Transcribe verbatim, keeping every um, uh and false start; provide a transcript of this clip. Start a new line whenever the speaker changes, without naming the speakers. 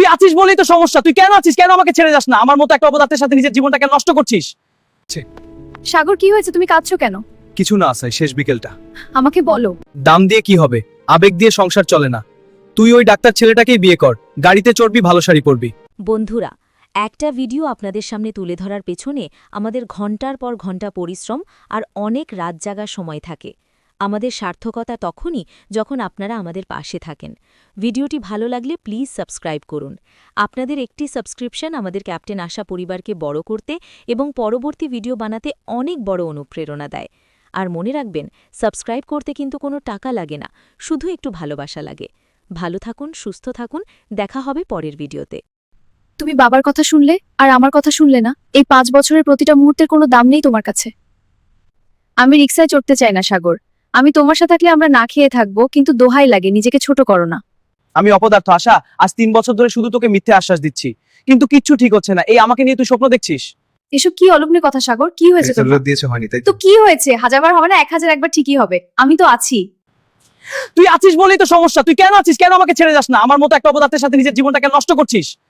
আছিস বলেই তো সমস্যা। তুই কেন আছিস? কেন আমাকে ছেড়ে যাস না? আমার মতো একটা অপদার্থের সাথে নিজের জীবনটাকে নষ্ট করছিস।
সাগর, কি হয়েছে? তুমি কাঁদছো কেন?
কিছু না আসাই, শেষ বিকেলটা।
আমাকে বলো।
দাম দিয়ে কি হবে? আবেগ দিয়ে সংসার চলে না। তুই ওই ডাক্তার ছেলেটাকেই বিয়ে কর, গাড়িতে চড়বি, ভালো শাড়ি পরবি।
বন্ধুরা, একটা ভিডিও আপনাদের সামনে তুলে ধরার পেছনে আমাদের ঘন্টার পর ঘন্টা পরিশ্রম আর অনেক রাত জাগার সময় থাকে। আমাদের সার্থকতা তখনই যখন আপনারা আমাদের পাশে থাকেন। ভিডিওটি ভালো লাগলে প্লিজ সাবস্ক্রাইব করুন। আপনাদের একটি সাবস্ক্রিপশন আমাদের ক্যাপ্টেন আশা পরিবারকে বড় করতে এবং পরবর্তী ভিডিও বানাতে অনেক বড় অনুপ্রেরণা দেয়। আর মনে রাখবেন, সাবস্ক্রাইব করতে কিন্তু কোনো টাকা লাগে না, শুধু একটু ভালোবাসা লাগে। ভালো থাকুন, সুস্থ থাকুন, দেখা হবে পরের ভিডিওতে।
তুমি বাবার কথা শুনলে আর আমার কথা শুনলে না। এই পাঁচ বছরের প্রতিটা মুহূর্তের কোনো দাম নেই তোমার কাছে। আমি রিকশায় চড়তে চাই না সাগর। আমি তোমার সাথে থাকলে আমরা না খেয়ে থাকবো, কিন্তু দোহাই লাগে, নিজেকে ছোট করো না।
আমি অপদার্থ আশা, আজ তিন বছর ধরে শুধু তোকে মিথ্যে আশ্বাস দিচ্ছি, কিন্তু কিচ্ছু ঠিক হচ্ছে না। এই আমাকে নিয়ে তুই স্বপ্ন দেখছিস।
এসব কি অলগ্নি কথা সাগর? কি হয়েছে তোমার?
দিয়েছে হয়নি তাই
তো কি হয়েছে? হাজারবার হবে না, এক হাজার একবার ঠিকই হবে। আমি তো আছি।
তুই আছিস বলেই তো সমস্যা। তুই কেন আছিস? কেন আমাকে ছেড়ে যাস না? আমার মতো একটা অপদার্থের সাথে নিজের জীবনটাকে নষ্ট করছিস।